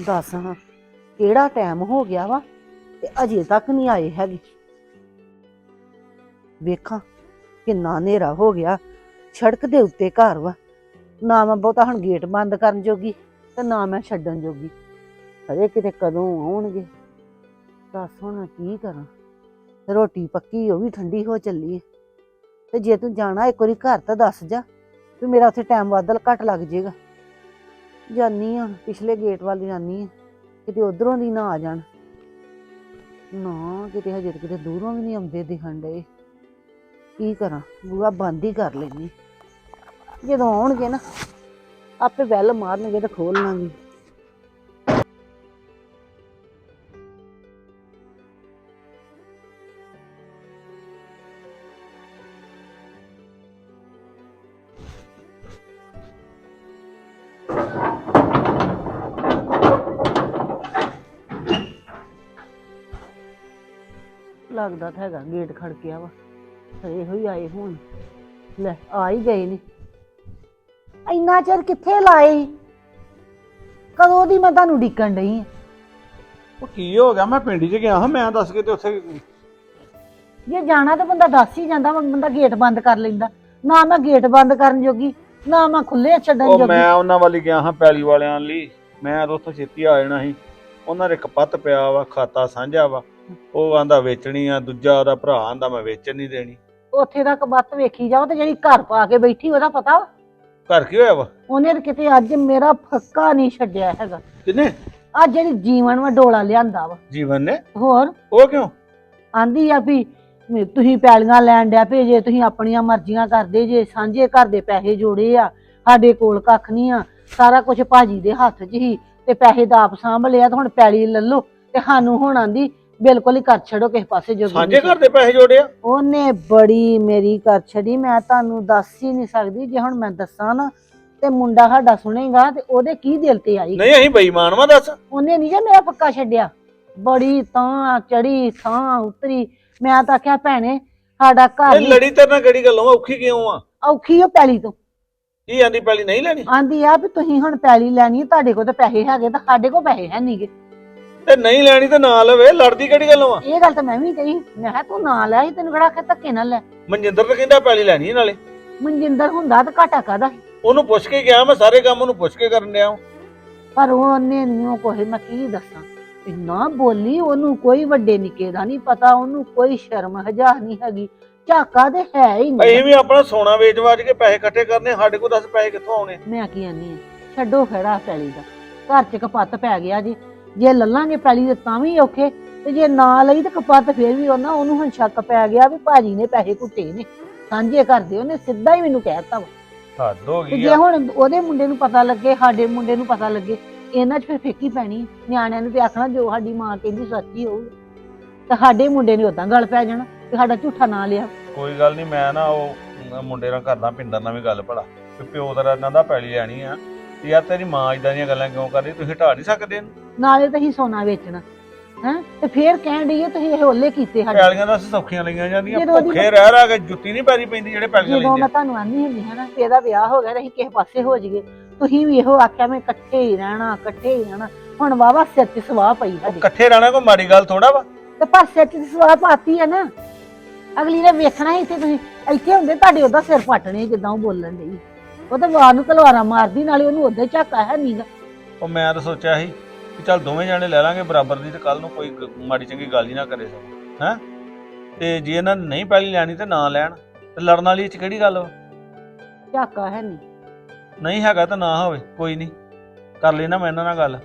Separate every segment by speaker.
Speaker 1: ਦੱਸ ਹਾਂ ਕਿਹੜਾ ਟਾਈਮ ਹੋ ਗਿਆ ਵਾ ਤੇ ਅਜੇ ਤੱਕ ਨਹੀਂ ਆਏ ਹੈਗੇ। ਵੇਖਾਂ ਕਿੰਨਾ ਹਨੇਰਾ ਹੋ ਗਿਆ, ਸੜਕ ਦੇ ਉੱਤੇ ਘਰ ਵਾ, ਨਾ ਮੈਂ ਬਹੁਤਾ ਹੁਣ ਗੇਟ ਬੰਦ ਕਰਨ ਜੋਗੀ ਤੇ ਨਾ ਮੈਂ ਛੱਡਣ ਜੋਗੀ। ਅਰੇ ਕਿਤੇ ਕਦੋਂ ਆਉਣਗੇ, ਦੱਸ ਹੁਣ ਕੀ ਕਰਾਂ। ਰੋਟੀ ਪੱਕੀ ਉਹ ਵੀ ਠੰਡੀ ਹੋ ਚੱਲੀ ਹੈ, ਤੇ ਜੇ ਤੂੰ ਜਾਣਾ ਇੱਕ ਵਾਰੀ ਘਰ ਤਾਂ ਦੱਸ ਜਾ ਵੀ ਮੇਰਾ ਉੱਥੇ ਟਾਈਮ ਵੱਧ ਘੱਟ ਲੱਗ ਜਾਏਗਾ। ਜਾਨੀ ਆ ਪਿਛਲੇ ਗੇਟ ਵੱਲ ਜਾਨੀ ਆ, ਕਿਤੇ ਉਧਰੋਂ ਦੀ ਨਾ ਆ ਜਾਣ। ਨਾ ਕਿਤੇ ਹਜੇ ਕਿਤੇ ਦੂਰੋਂ ਵੀ ਨਹੀਂ ਆਉਂਦੇ ਦਿਖਣ ਡਏ। ਕੀ ਕਰਾਂ, ਬੂਹਾ ਬੰਦ ਹੀ ਕਰ ਲੈਣੀ, ਜਦੋਂ ਆਉਣਗੇ ਨਾ ਆਪੇ ਬੈਲ ਮਾਰਨਗੇ ਤੇ ਖੋਲ ਲਾਂਗੀ। ਲੱਗਦਾ ਤਾਂ ਹੈਗਾ ਗੇਟ ਖੜਕਿਆ ਵਾ, ਇਹੋ ਹੀ ਆਏ ਹੁਣ। ਲੈ ਆ ਹੀ ਗਏ ਨੇ। ਇੰਨਾ ਚਿਰ ਕਿੱਥੇ ਲਾਏ, ਕਦੋਂ ਦੀ ਮੈਂ ਤੁਹਾਨੂੰ ਡੀਕਣ ਡਈ ਆ।
Speaker 2: ਉਹ ਕੀ ਹੋ ਗਿਆ? ਮੈਂ ਪਿੰਡ 'ਚ ਗਿਆ ਹਾਂ, ਮੈਂ ਦੱਸ ਕੇ ਤੇ ਉੱਥੇ
Speaker 1: ਜੇ ਜਾਣਾ ਤਾਂ ਬੰਦਾ ਦੱਸ ਹੀ ਜਾਂਦਾ, ਬੰਦਾ ਗੇਟ ਬੰਦ ਕਰ ਲੈਂਦਾ। ਨਾ ਮੈਂ ਗੇਟ ਬੰਦ ਕਰਨ ਜੋਗੀ, ਨਾ ਮੈਂ ਖੁੱਲੇ ਛੱਡਣ
Speaker 2: ਉਹ
Speaker 1: ਜੋਗੀ।
Speaker 2: ਮੈਂ ਉਹਨਾਂ ਵੱਲ ਗਿਆ ਹਾਂ ਪੈਲੀ ਵਾਲਿਆਂ ਲਈ। ਮੈਂ ਤਾਂ ਉੱਥੋਂ ਛੇਤੀ ਆ ਜਾਣਾ ਸੀ। ਉਹਨਾਂ ਦੇ ਕਪੱਤ ਪਿਆ ਵਾ, ਖਾਤਾ ਸਾਂਝਾ ਵਾ। ਉਹ ਆਂਦਾ ਵੇਚਣੀ ਆ, ਦੂਜਾ ਉਹਦਾ ਭਰਾ ਆਂਦਾ ਮੈਂ ਵੇਚਣ ਨਹੀਂ ਦੇਣੀ।
Speaker 1: ਉੱਥੇ ਦਾ ਕਬੱਤ ਵੇਖੀ ਜਾਓ, ਤੇ ਜਿਹੜੀ ਘਰ ਪਾ ਕੇ ਬੈਠੀ ਉਹਦਾ ਪਤਾ ਵਾ।
Speaker 2: ਘਰ ਕੀ ਹੋਇਆ ਵਾ?
Speaker 1: ਉਹਨੇ ਤਾਂ ਕਿਤੇ ਅੱਜ ਮੇਰਾ ਫੱਕਾ ਨਹੀਂ ਛੱਡਿਆ ਹੈਗਾ।
Speaker 2: ਕਿੰਨੇ?
Speaker 1: ਅੱਜ ਜਿਹੜੀ ਜੀਵਨ ਵਾ ਡੋਲਾ ਲਿਆਂਦਾ ਵਾ।
Speaker 2: ਜੀਵਨ ਨੇ?
Speaker 1: ਹੋਰ
Speaker 2: ਉਹ ਕਿਉਂ?
Speaker 1: ਆਂਦੀ ਆ ਵੀ ਤੁਸੀਂ ਪੈਲੀਆਂ ਲੈਣ ਡਿਆ ਪਏ ਜੇ, ਤੁਸੀਂ ਆਪਣੀਆਂ ਮਰਜ਼ੀਆਂ ਕਰਦੇ ਜੇ, ਸਾਂਝੇ ਘਰ ਦੇ ਪੈਸੇ ਜੋੜੇ ਆ, ਸਾਡੇ ਕੋਲ ਕੱਖ ਨਹੀਂ ਆ, ਸਾਰਾ ਕੁਝ ਭਾਜੀ ਦੇ ਹੱਥ 'ਚ ਹੀ, ਤੇ ਪੈਸੇ ਦਾ ਆਪ ਸਾਂਭ ਲਿਆ, ਤੇ ਹੁਣ ਪੈਲੀ ਲੈ ਲਓ ਤੇ ਸਾਨੂੰ ਹੁਣ ਆਂਦੀ ਬਿਲਕੁਲ ਹੀ ਕਰ ਛੱਡੋ ਕਿਸੇ ਪਾਸੇ ਜੋ।
Speaker 2: ਸਾਂਝੇ ਘਰ ਦੇ ਪੈਸੇ ਜੋੜਿਆ?
Speaker 1: ਉਹਨੇ ਬੜੀ ਮੇਰੀ ਕਰ ਛੱਡੀ, ਮੈਂ ਤੁਹਾਨੂੰ ਦੱਸ ਹੀ ਨਹੀਂ ਸਕਦੀ। ਜੇ ਹੁਣ ਮੈਂ ਦੱਸਾਂ ਨਾ ਤੇ ਮੁੰਡਾ ਸਾਡਾ ਸੁਣੇਗਾ ਤੇ ਉਹਦੇ ਕੀ ਦਿਲ ਤੇ ਆਈ।
Speaker 2: ਨਹੀਂ ਅਸੀਂ ਬੇਈਮਾਨ ਵਾ, ਦੱਸ।
Speaker 1: ਉਹਨੇ ਨਹੀਂ ਜੇ ਮੇਰਾ ਪੱਕਾ ਛੱਡਿਆ, ਬੜੀ ਤਾਂ ਚੜੀ ਥਾਂ ਉਤਰੀ। ਮੈਂ ਤਾਂ ਆਖਿਆ ਭੈਣੇ ਸਾਡਾ ਘਰ
Speaker 2: ਲੜੀ ਤੇਰੇ ਨਾਲ ਕਿਹੜੀ ਗੱਲੋਂ? ਔਖੀ ਕਿਉਂ ਆ?
Speaker 1: ਔਖੀ ਉਹ ਪੈਲੀ ਤੋਂ।
Speaker 2: ਕੀ ਆਂਦੀ ਪੈਲੀ ਨਹੀਂ ਲੈਣੀ?
Speaker 1: ਆਂਦੀ ਆ ਵੀ ਤੁਸੀਂ ਹੁਣ ਪੈਲੀ ਲੈਣੀ, ਤੁਹਾਡੇ ਕੋਲ ਤਾਂ ਪੈਸੇ ਹੈਗੇ ਤਾਂ ਸਾਡੇ ਕੋਲ ਪੈਸੇ ਹੈ ਨਹੀਂਗੇ।
Speaker 2: ਤੇ ਨਹੀਂ ਲੈਣੀ ਤੇ ਨਾ ਲਵੇ, ਲੜਦੀ ਕਿਹੜੀ ਗੱਲੋਂ ਆ?
Speaker 1: ਇਹ ਗੱਲ ਤਾਂ ਮੈਂ ਵੀ ਕਹੀ, ਮੈਂ ਕਿਹਾ ਤੂੰ ਨਾ ਲੈ, ਤੈਨੂੰ ਕਿਹੜਾ ਆਖਿਆ ਧੱਕੇ ਨਾਲ ਲੈ।
Speaker 2: ਮਨਜਿੰਦਰ ਤਾਂ ਕਹਿੰਦਾ ਪੈਲੀ ਲੈਣੀ ਨਾਲੇ।
Speaker 1: ਮਨਜਿੰਦਰ ਹੁੰਦਾ ਤਾਂ ਘਾਟਾ ਕਾਹਦਾ।
Speaker 2: ਉਹਨੂੰ ਪੁੱਛ ਕੇ ਗਿਆ ਮੈਂ, ਸਾਰੇ ਕੰਮ ਉਹਨੂੰ ਪੁੱਛ ਕੇ ਕਰਨ ਡਿਆ।
Speaker 1: ਪਰ ਉਹਨੇ ਨਹੀਂ ਕੋਈ, ਮੈਂ ਕੀ ਦੱਸਾਂ, ਇੰਨਾ ਬੋਲੀ। ਉਹਨੂੰ ਕੋਈ ਵੱਡੇ ਨਿੱਕੇ ਦਾ ਨਹੀਂ ਪਤਾ, ਉਹਨੂੰ ਕੋਈ ਸ਼ਰਮ ਹਜਾ ਨਹੀਂ ਹੈਗੀ, ਝਾਕਾ ਤੇ ਹੈ ਹੀ ਨਹੀਂ।
Speaker 2: ਅਸੀਂ ਵੀ ਆਪਣਾ ਸੋਨਾ ਵੇਚ ਵਾਜ ਕੇ ਪੈਸੇ ਇਕੱਠੇ ਕਰਨੇ, ਸਾਡੇ ਕੋਲ ਦੱਸ ਪੈਸੇ ਕਿੱਥੋਂ ਆਉਣੇ?
Speaker 1: ਮੈਂ ਕੀ ਆਨੀ ਆ, ਛੱਡੋ ਖੜਾ ਪੈਲੀ ਦਾ, ਘਰ 'ਚ ਕਪੱਤ ਪੈ ਗਿਆ ਜੀ। ਜੇ ਲੱਲਾਂਗੇ ਪੈਲੀ ਦੇ ਤਾਂ ਵੀ ਔਖੇ, ਤੇ ਜੇ ਨਾ ਲਈ ਤੇ ਕਪੱਤ ਫੇਰ ਵੀ ਉਹਨਾਂ। ਉਹਨੂੰ ਹੁਣ ਸ਼ੱਕ ਪੈ ਗਿਆ ਵੀ ਭਾਜੀ ਨੇ ਪੈਸੇ ਘੁੱਟੇ ਨੇ, ਸਾਂਝੇ ਕਰਦੇ। ਉਹਨੇ ਸਿੱਧਾ ਹੀ ਮੈਨੂੰ ਕਹਿਤਾ ਵਾ।
Speaker 2: ਹੱਦ ਹੋ
Speaker 1: ਤੇ
Speaker 2: ਗਈ
Speaker 1: ਜੇ
Speaker 2: ਆ।
Speaker 1: ਹੁਣ ਉਹਦੇ ਮੁੰਡੇ ਨੂੰ ਪਤਾ ਲੱਗੇ, ਸਾਡੇ ਮੁੰਡੇ ਨੂੰ ਪਤਾ ਲੱਗੇ, ਇਹਨਾਂ 'ਚ ਫਿਰ ਫੇਕੀ ਪੈਣੀ। ਨਿਆਣਿਆਂ ਨੂੰ ਤੇ ਆਖਣਾ ਜੋ ਸਾਡੀ ਮਾਂ ਕਹਿੰਦੀ ਸੱਚ ਹੀ ਹੋਊਗਾ, ਤੇ ਸਾਡੇ ਮੁੰਡੇ ਨੇ ਉਦਾਂ ਗੱਲ ਪੈ ਜਾਣਾ ਤੇ ਸਾਡਾ ਝੂਠਾ ਨਾਂ ਲਿਆ।
Speaker 2: ਕੋਈ ਗੱਲ ਨਹੀਂ, ਮੈਂ ਨਾ ਉਹ ਮੁੰਡੇ ਨਾਲ ਕਰਦਾ, ਪਿੰਦਰ ਨਾਲ ਵੀ ਗੱਲ ਭਲਾ ਕਿ ਪਿਓ ਤੇਰਾ ਇਹਨਾਂ ਦਾ ਪੈਲੀ ਲੈਣੀ ਆ, ਤੇ ਯਾਰ ਤੇਰੀ ਮਾਂ ਇਦਾਂ ਦੀਆਂ ਗੱਲਾਂ ਕਿਉਂ ਕਰਦੀ? ਤੁਸੀਂ ਹਟਾ ਨਹੀਂ ਸਕਦੇ ਇਹਨੂੰ?
Speaker 1: ਨਾਲੇ ਤਾਂ ਅਸੀਂ ਸੋਨਾ ਵੇਚਣਾ ਹੈ, ਤੇ ਫੇਰ ਕਹਿਣ ਡਈਏ ਤੁਸੀਂ ਇਹ ਓਲੇ ਕੀਤੇ ਸਾਡੇ।
Speaker 2: ਪੈਲੀਆਂ ਦਾ ਸੌਖੀਆਂ ਲਈਆਂ ਜਾਂਦੀਆਂ,
Speaker 1: ਜਦੋਂ ਉਹਦੀ
Speaker 2: ਭੁੱਖੇ ਰਹਿ ਰਹਿ ਕੇ ਜੁੱਤੀ ਨਹੀਂ ਪੈਰੀ ਪੈਂਦੀ ਜਿਹੜੇ ਪੈਲੀਆਂ
Speaker 1: ਜਦੋਂ
Speaker 2: ਲੈਂਦੇ
Speaker 1: ਮੈਂ ਤੁਹਾਨੂੰ ਆਂਦੀ ਹੁੰਦੀ ਹਾਂ ਨਾ, ਇਹਦਾ ਵਿਆਹ ਹੋ ਗਿਆ ਤੇ ਅਸੀਂ ਕਿਸੇ ਪਾਸੇ ਹੋ ਜਾਈਏ, ਤੁਸੀਂ ਵੀ ਇਹੋ ਆਖਿਆ ਮੈਂ ਇਕੱਠੇ ਹੀ ਰਹਿਣਾ, ਇਕੱਠੇ ਹੀ ਰਹਿਣਾ। ਹੁਣ ਵਾਵਾ ਸਿਰ 'ਚ ਸਵਾਹ ਪਈ ਸਾਡੀ।
Speaker 2: ਇਕੱਠੇ ਰਹਿਣਾ ਕੋਈ ਮਾੜੀ ਗੱਲ ਥੋੜਾ ਵਾ।
Speaker 1: ਤੇ ਪਰ ਸਿਰ 'ਚ ਸਵਾਹ ਪਾਤੀ ਹੈ ਨਾ, ਅਗਲੀ ਨੇ ਵੇਖਣਾ ਸੀ। ਇੱਥੇ ਤੁਸੀਂ ਇੱਥੇ ਹੁੰਦੇ ਤੁਹਾਡੇ ਉਹਦਾ ਸਿਰ ਪੱਟਣੇ, ਜਿੱਦਾਂ ਉਹ ਬੋਲਣ ਡਈ। ਉਹ ਤਾਂ ਵਾਰ ਨੂੰ ਤਲਵਾਰਾਂ ਮਾਰਦੀ, ਨਾਲੇ ਉਹਨੂੰ ਉਹਦੇ ਝਾਕਾ ਹੈ ਨੀਗਾ।
Speaker 2: ਉਹ ਮੈਂ ਤਾਂ ਸੋਚਿਆ ਸੀ ਕਿ ਚੱਲ ਦੋਵੇਂ ਜਾਣੇ ਲੈ ਲਾਂਗੇ ਬਰਾਬਰ ਦੀ, ਤੇ ਕੱਲ ਨੂੰ ਕੋਈ ਮਾੜੀ ਚੰਗੀ ਗੱਲ ਹੀ ਨਾ ਕਰੇ ਸਭ ਹੈ। ਤੇ ਜੇ ਇਹਨਾਂ ਨੇ ਨਹੀਂ ਪੈਲੀ ਲੈਣੀ ਤੇ ਨਾ ਲੈਣ, ਤੇ ਲੜਨ ਵਾਲੀ ਇਹ 'ਚ ਕਿਹੜੀ ਗੱਲ ਵਾ?
Speaker 1: ਝਾਕਾ ਹੈ
Speaker 2: ਨਹੀਂ ਹੈਗਾ ਤਾਂ ਨਾ ਹੋਵੇ, ਕੋਈ ਨਹੀਂ, ਕਰ ਲੈਣਾ ਮੈਂ ਇਹਨਾਂ ਨਾਲ ਗੱਲ।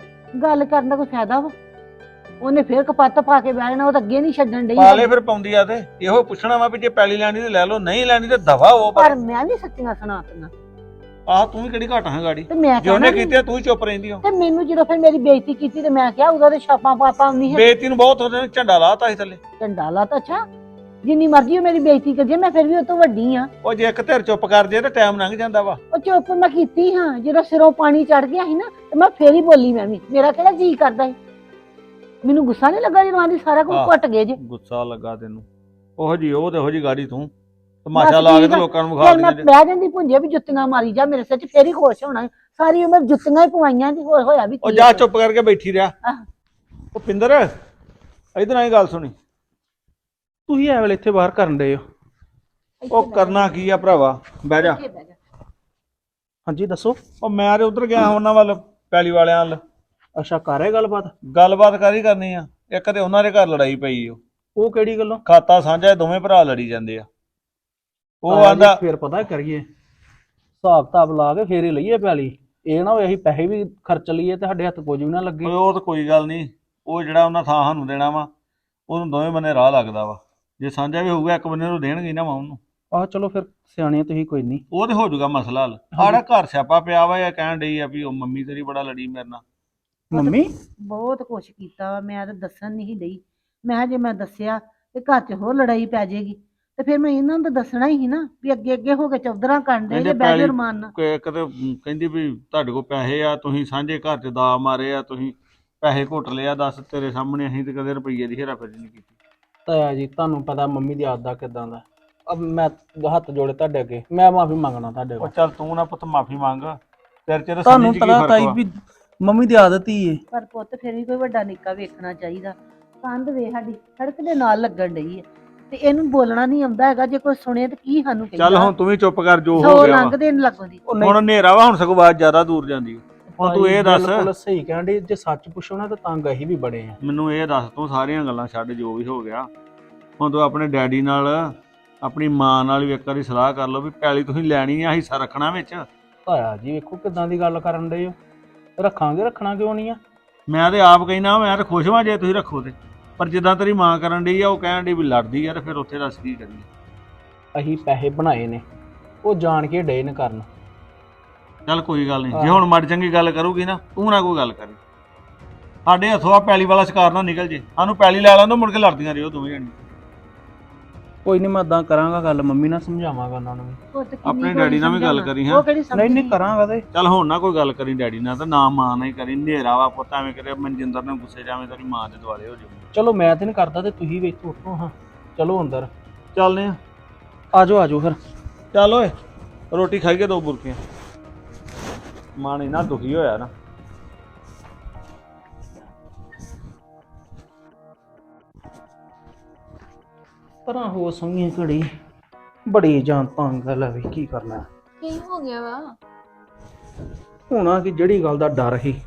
Speaker 1: ਗੱਲ ਕਰਨ ਦਾ ਕੋਈ ਫਾਇਦਾ ਵਾ? ਉਹਨੇ ਫੇਰ ਕਪੱਤ ਪਾ ਕੇ ਬਹਿ ਜਾਣਾ, ਉਹ ਤਾਂ ਅੱਗੇ ਨਹੀਂ ਛੱਡਣ ਡਈ।
Speaker 2: ਪਾਲੇ ਫਿਰ ਪਾਉਂਦੀ ਆ, ਤੇ ਇਹੋ ਪੁੱਛਣਾ ਵਾ ਵੀ ਜੇ ਪੈਲੀ ਲੈਣੀ ਤੇ ਲੈ ਲਓ, ਨਹੀਂ ਲੈਣੀ ਤੇ ਦਵਾ ਉਹ।
Speaker 1: ਪਰ ਮੈਂ ਵੀ ਸੱਚੀਆਂ ਸੁਣਾਤੀਆਂ।
Speaker 2: ਆਹ ਤੂੰ ਵੀ ਕਿਹੜੀ ਘਾਟਾਂ ਗਾੜੀ,
Speaker 1: ਤੇ ਮੈਂ
Speaker 2: ਜੇ ਉਹਨੇ
Speaker 1: ਕਹਿਣਾ
Speaker 2: ਕੀਤੀ ਤੂੰ ਹੀ ਚੁੱਪ ਰਹਿੰਦੀ ਹੋ।
Speaker 1: ਤੇ ਮੈਨੂੰ ਜਦੋਂ ਫਿਰ ਮੇਰੀ ਬੇਇੱਜ਼ਤੀ ਕੀਤੀ ਤੇ ਮੈਂ ਕਿਹਾ ਉਹਦਾ ਤੇ ਛਾਪਾਂ ਪਾਪਾ ਨਹੀਂ ਹੈ।
Speaker 2: ਬੇਇੱਜ਼ਤੀ ਨੂੰ ਬਹੁਤ ਉਹਦੇ ਨੇ ਝੰਡਾ ਲਾਤਾ ਸੀ ਥੱਲੇ।
Speaker 1: ਝੰਡਾ ਲਾ ਤਾਂ ਅੱਛਾ, ਜਿੰਨੀ ਮਰਜ਼ੀ ਉਹ ਮੇਰੀ ਬੇਇੱਜ਼ਤੀ ਕਰ ਜੇ, ਮੈਂ ਫਿਰ ਵੀ ਉਹ ਤੋਂ ਵੱਡੀ ਆ।
Speaker 2: ਉਹ ਜੇ ਇੱਕ ਧਿਰ ਚੁੱਪ ਕਰ ਜੇ ਤੇ ਟਾਈਮ ਲੰਘ ਜਾਂਦਾ ਵਾ।
Speaker 1: ਉਹ ਚੁੱਪ ਮੈਂ ਕੀਤੀ ਹਾਂ, ਜਦੋਂ ਸਿਰੋਂ ਪਾਣੀ ਚੜ ਗਿਆ ਸੀ ਨਾ, ਤੇ ਮੈਂ ਫੇਰ ਹੀ ਬੋਲੀ। ਮੈਂ ਵੀ, ਮੇਰਾ ਕਿਹੜਾ ਜੀ ਕਰਦਾ ਸੀ, ਮੈਨੂੰ ਗੁੱਸਾ ਨਹੀਂ ਲੱਗਾ ਜਦੋਂ ਆਂਦੀ ਸਾਰਾ ਕੁਝ ਘੁੱਟ ਗਏ ਜੇ।
Speaker 2: ਗੁੱਸਾ ਲੱਗਾ ਤੈਨੂੰ? ਉਹੋ ਜੀ ਉਹ ਤੇ ਉਹੋ ਜੀ ਗਾੜੀ ਤੂੰ ਤਮਾਸ਼ਾ
Speaker 1: ਬਸ
Speaker 2: ਲਾ ਕੇ
Speaker 1: ਠੀਕ
Speaker 2: ਤੇ
Speaker 1: ਆ।
Speaker 2: ਲੋਕਾਂ ਨੂੰ
Speaker 1: ਫਿਰ
Speaker 2: ਵਿਖਾ
Speaker 1: ਮੈਂ
Speaker 2: ਦਿੰਦੇ
Speaker 1: ਬਹਿ ਜਾਂਦੀ ਭੁੰਜੇ ਵੀ ਜੁੱਤੀਆਂ ਮਾਰੀ ਜਾ ਮੇਰੇ ਸਿਰ 'ਚ ਫੇਰ ਹੀ ਖੁਸ਼ ਹੋਣਾ। ਸਾਰੀ ਉਮਰ ਜੁੱਤੀਆਂ ਹੀ ਪਵਾਈਆਂ ਜੀ ਹੋਇਆ ਵੀ
Speaker 2: ਉਹ
Speaker 1: ਕੀ
Speaker 2: ਜਾ
Speaker 1: ਆ।
Speaker 2: ਚੁੱਪ ਕਰਕੇ ਬੈਠੀ ਰਿਹਾ।
Speaker 1: ਆਹ।
Speaker 2: ਉਹ ਪਿੰਦਰ ਇਧਰ ਆਈ ਗੱਲ ਸੁਣੀ।
Speaker 3: ਤੁਸੀਂ ਐ ਵੇਲੇ ਇੱਥੇ ਬਾਹਰ ਕਰਨ ਡਏ ਹੋ?
Speaker 2: ਉਹ ਕਰਨਾ ਕੀ ਆ ਭਰਾਵਾ, ਬਹਿ ਜਾ।
Speaker 1: ਇੱਥੇ ਬਹਿ ਜਾ।
Speaker 3: ਹਾਂਜੀ ਦੱਸੋ।
Speaker 2: ਉਹ ਮੈਂ ਤੇ ਉਧਰ ਗਿਆ ਉਹਨਾਂ ਵੱਲ, ਪੈਲੀ ਵਾਲਿਆਂ ਵੱਲ।
Speaker 3: ਅੱਛਾ ਕਰ ਹੈ ਗੱਲਬਾਤ?
Speaker 2: ਗੱਲਬਾਤ ਕਾਹਦੀ ਕਰਨੀ ਆ, ਇੱਕ ਤੇ ਉਹਨਾਂ ਦੇ ਘਰ ਲੜਾਈ ਪਈ
Speaker 3: ਉਹ ਕਿਹੜੀ ਗੱਲੋਂ?
Speaker 2: ਖਾਤਾ ਸਾਂਝਾ, ਦੋਵੇਂ ਭਰਾ ਲੜੀ ਜਾਂਦੇ ਆ। ਉਹ
Speaker 3: ਆਇਆ ਜੀ,
Speaker 2: ਆਂਦਾ
Speaker 3: ਫਿਰ ਪਤਾ ਕਰੀਏ ਹਿਸਾਬ ਕਿਤਾਬ ਲਾ ਕੇ ਫੇਰ ਹੀ ਲਈਏ ਪੈਲੀ। ਇਹ ਨਾ ਹੋਏ ਅਸੀਂ ਪੈਸੇ ਵੀ ਖਰਚ ਲਈਏ ਤੇ ਸਾਡੇ ਹੱਥ ਕੁਝ ਵੀ ਨਾ ਲੱਗੇ।
Speaker 2: ਉਹ ਤਾਂ ਕੋਈ ਗੱਲ ਨਹੀਂ, ਉਹ ਜਿਹੜਾ ਉਹਨਾਂ ਥਾਂ ਸਾਨੂੰ ਦੇਣਾ ਵਾ ਉਹਨੂੰ ਦੋਵੇਂ ਬੰਨੇ ਰਾਹ ਲੱਗਦਾ ਵਾ। ਜੇ ਸਾਂਝਾ ਵੀ ਹੋਊਗਾ ਇੱਕ ਬੰਨੇ ਨੂੰ ਦੇਣਗੇ ਨਾ ਵਾ ਉਹਨੂੰ।
Speaker 3: ਆਹ ਚਲੋ ਫਿਰ ਸਿਆਣੇ ਤੁਸੀਂ, ਕੋਈ ਨਹੀਂ।
Speaker 2: ਉਹ ਤੇ ਹੋ ਜਾਊਗਾ ਮਸਲਾ ਹੱਲ। ਆੜਾ ਘਰ ਸਿਆਪਾ ਪਿਆ ਵਾ, ਇਹ ਕਹਿਣ ਡਈ ਆ ਵੀ ਉਹ ਮੰਮੀ ਤੇਰੀ ਬੜਾ ਲੜੀ ਮੇਰੇ ਨਾਲ।
Speaker 3: ਮੰਮੀ
Speaker 1: ਬਹੁਤ ਕੁਛ ਕੀਤਾ ਵਾ, ਮੈਂ ਤਾਂ ਦੱਸਣ ਨਹੀਂ ਡਈ। ਮੈਂ ਕਿਹਾ ਜੇ ਮੈਂ ਦੱਸਿਆ ਤੇ ਘਰ 'ਚ ਹੋਰ ਲੜਾਈ ਪੈ ਜਾਏਗੀ ਤੇ ਫਿਰ ਮੈਂ ਇਹਨਾਂ ਨੂੰ ਤਾਂ ਦੱਸਣਾ ਹੀ ਸੀ ਨਾ ਵੀ ਅੱਗੇ ਅੱਗੇ ਹੋ ਕੇ ਚੌਧਰਾਂ ਕਰਨ ਦੇ
Speaker 2: ਕਹਿੰਦੇ
Speaker 1: ਜੇ ਬਹਿ
Speaker 2: ਪੈਲੀ
Speaker 1: ਜਾਓ ਰਮਾਨ ਨਾਲ।
Speaker 2: ਇੱਕ ਤੇ ਕਹਿੰਦੀ ਵੀ ਤੁਹਾਡੇ ਕੋਲ ਪੈਸੇ ਆ, ਤੁਸੀਂ ਸਾਂਝੇ ਘਰ 'ਚ ਦਾ ਮਾਰੇ ਆ, ਤੁਸੀਂ ਪੈਸੇ ਘੁੱਟ ਲਿਆ। ਦੱਸ ਤੇਰੇ ਸਾਹਮਣੇ ਅਸੀਂ ਤੇ ਕਦੇ ਰੁਪਈਏ ਦੀ ਹੇਰਾਫੇਰੀ ਨਹੀਂ ਕੀਤੀ।
Speaker 3: ਤਾਇਆ ਜੀ ਤੁਹਾਨੂੰ ਪਤਾ ਮੰਮੀ ਦੀ ਆਦਤ ਕਿਦਾਂ ਦਾ। ਅਬ ਮੈਂ ਹੱਥ ਜੋੜੇ ਤੁਹਾਡੇ ਅੱਗੇ, ਮੈਂ ਮਾਫੀ ਮੰਗਣਾ ਤੁਹਾਡੇ
Speaker 2: ਉਹ
Speaker 3: ਕੋਲ।
Speaker 2: ਚੱਲ ਤੂੰ ਨਾ ਪੁੱਤ ਮਾਫੀ ਮੰਗ, ਤੇਰੇ ਚ
Speaker 3: ਤੁਹਾਨੂੰ
Speaker 2: ਕੀ
Speaker 3: ਪਤਾ
Speaker 2: ਫਰਕ
Speaker 3: ਤਾਈ
Speaker 2: ਵਾ।
Speaker 3: ਵੀ ਮੰਮੀ ਦੀ ਆਦਤ ਹੀ ਏ।
Speaker 1: ਪਰ ਪੁੱਤ ਫਿਰ ਵੀ ਕੋਈ ਵੱਡਾ ਨਿੱਕਾ ਵੇਖਣਾ ਚਾਹੀਦਾ। ਕੰਧ ਵੇ ਸਾਡੀ ਸੜਕ ਦੇ ਨਾਲ ਲੱਗਣ ਡਈ ਹੈ ਤੇ ਇਹਨੂੰ ਬੋਲਣਾ ਨਹੀਂ ਆਉਂਦਾ ਹੈਗਾ। ਜੇ ਕੋਈ ਸੁਣੇ ਤੇ ਕੀ ਸਾਨੂੰ
Speaker 2: ਚੱਲ
Speaker 1: ਕਹਿੰਦਾ।
Speaker 2: ਹੁਣ ਤੂੰ ਵੀ ਚੁੱਪ ਕਰ, ਜੋ ਹੋ
Speaker 1: ਸੌ
Speaker 2: ਗਿਆ ਵਾ।
Speaker 1: ਲੰਘਦੇ ਨੀ ਲੱਗਦੀ।
Speaker 3: ਉਹ ਨਹੀਂ
Speaker 2: ਹੁਣ ਹਨੇਰਾ ਵਾ, ਹੁਣ ਸਗੋਂ ਆਵਾਜ਼ ਜ਼ਿਆਦਾ ਦੂਰ ਜਾਂਦੀ ਆ। ਹੁਣ ਤੂੰ ਇਹ ਦੱਸ,
Speaker 3: ਬਿਲਕੁਲ ਸਹੀ ਕਹਿੰਦੇ, ਜੇ ਸੱਚ ਪੁੱਛੋ ਨਾ ਤਾਂ ਤੰਗ ਅਸੀਂ ਵੀ ਬੜੇ ਆ।
Speaker 2: ਮੈਨੂੰ ਇਹ ਦੱਸ, ਤੂੰ ਸਾਰੀਆਂ ਗੱਲਾਂ ਛੱਡ, ਜੋ ਵੀ ਹੋ ਗਿਆ ਹੁਣ ਤੂੰ ਆਪਣੇ ਡੈਡੀ ਨਾਲ, ਆਪਣੀ ਮਾਂ ਨਾਲ ਵੀ ਇੱਕ ਵਾਰੀ ਸਲਾਹ ਕਰ ਲਓ ਵੀ ਪੈਲੀ ਤੁਸੀਂ ਲੈਣੀ ਆ, ਹਿੱਸਾ ਰੱਖਣਾ ਵਿੱਚ।
Speaker 3: ਤਾਇਆ ਜੀ ਵੇਖੋ ਕਿਦਾਂ ਦੀ ਗੱਲ ਕਰਨ ਡਏ ਹੋ। ਰੱਖਾਂਗੇ, ਰੱਖਣਾ ਕਿਉਂ ਨਹੀਂ ਆ।
Speaker 2: ਮੈਂ ਤੇ ਆਪ ਕਹਿਣਾ, ਮੈਂ ਤਾਂ ਖੁਸ਼ ਹਾਂ ਜੇ ਤੁਸੀਂ ਰੱਖੋ ਤੇ। ਪਰ ਜਿੱਦਾਂ ਤੇਰੀ ਮਾਂ ਕਰਨ ਡਈ ਆ, ਉਹ ਕਹਿਣ ਡਈ ਵੀ ਲੜਦੀ ਆ, ਤੇ ਫਿਰ ਉੱਥੇ ਦੱਸ ਕੀ ਕਰੀਏ।
Speaker 3: ਅਸੀਂ ਪੈਸੇ ਬਣਾਏ ਨੇ, ਉਹ ਜਾਣ ਕੇ ਡੇ ਨੇ ਕਰਨ।
Speaker 2: ਚੱਲ ਕੋਈ ਗੱਲ ਨਹੀਂ, ਜੇ ਹੁਣ ਮਾੜੀ ਚੰਗੀ ਗੱਲ ਕਰੂਗੀ ਨਾ, ਤੂੰ ਨਾ ਕੋਈ ਗੱਲ ਕਰੀ। ਸਾਡੇ ਹੱਥੋਂ ਆ ਪੈਲੀ ਵਾਲਾ ਸ਼ਿਕਾਰ ਨਾ ਨਿਕਲ ਜੇ। ਸਾਨੂੰ ਪੈਲੀ ਲੈ ਲੈਣ ਦੋ, ਮੁੜ ਕੇ ਲੜਦੀਆਂ ਰਹੋ ਦੋਵੇਂ ਜਣੇ।
Speaker 3: ਕੋਈ ਨਹੀਂ, ਮੈਂ ਏਦਾਂ ਕਰਾਂਗਾ ਗੱਲ, ਮੰਮੀ ਨਾਲ ਸਮਝਾਵਾਂਗਾ ਉਹਨਾਂ ਨੂੰ ਵੀ।
Speaker 1: ਪੁੱਤ ਕਿੰਨੀ
Speaker 2: ਆਪਣੇ
Speaker 1: ਕੁ
Speaker 2: ਡੈਡੀ ਨਾਲ ਵੀ ਗੱਲ
Speaker 1: ਸਮਝਾਉਣਾ।
Speaker 2: ਕਰੀ ਹੈਂ।
Speaker 1: ਉਹ ਕਿਹੜੀ
Speaker 3: ਨਹੀਂ
Speaker 1: ਸਮਝਦੀ
Speaker 3: ਨਹੀਂ ਕਰਾਂਗਾ ਤੇ।
Speaker 2: ਚੱਲ ਹੁਣ ਨਾ ਕੋਈ ਗੱਲ ਕਰੀ ਡੈਡੀ ਨਾਲ, ਤੇ ਨਾ ਮਾਂ ਨਾਲ ਹੀ ਕਰੀ। ਹਨੇਰਾ ਵਾ ਪੁੱਤ, ਐਵੇਂ ਕਰੇ ਮਨਜਿੰਦਰ ਨੇ ਗੁੱਸੇ ਜਾਵੇਂ ਤੇਰੀ ਮਾਂ ਦੇ ਦੁਆਲੇ ਹੋ ਜਾਊ।
Speaker 3: ਚਲੋ ਮੈਂ ਤੇ ਨਹੀਂ ਕਰਦਾ, ਤੇ ਤੁਸੀਂ ਵੀ ਇੱਥੋਂ ਉੱਠੋ ਹਾਂ, ਚਲੋ ਅੰਦਰ
Speaker 2: ਚੱਲਦੇ ਆ।
Speaker 3: ਆਜੋ ਆਜੋ ਫਿਰ।
Speaker 2: ਚੱਲ ਓਏ, ਰੋਟੀ ਖਾਈਏ ਦੋ ਬੁਰਕੀਆਂ। ਮਨ ਇੰਨਾ ਦੁਖੀ ਹੋਇਆ ਨਾ।
Speaker 3: ਪਰਾਂ ਹੋ ਸੰਗੀ ਘੜੀ, ਬੜੀ ਜਾਨ ਤੰਗ ਗੱਲ ਹੈ ਵੀ ਕੀ ਕਰਨਾ।
Speaker 4: ਕੀ ਹੋ ਗਿਆ ਵਾ?
Speaker 3: ਹੋਣਾ ਕਿ ਜਿਹੜੀ ਗੱਲ ਦਾ ਡਰ ਸੀ,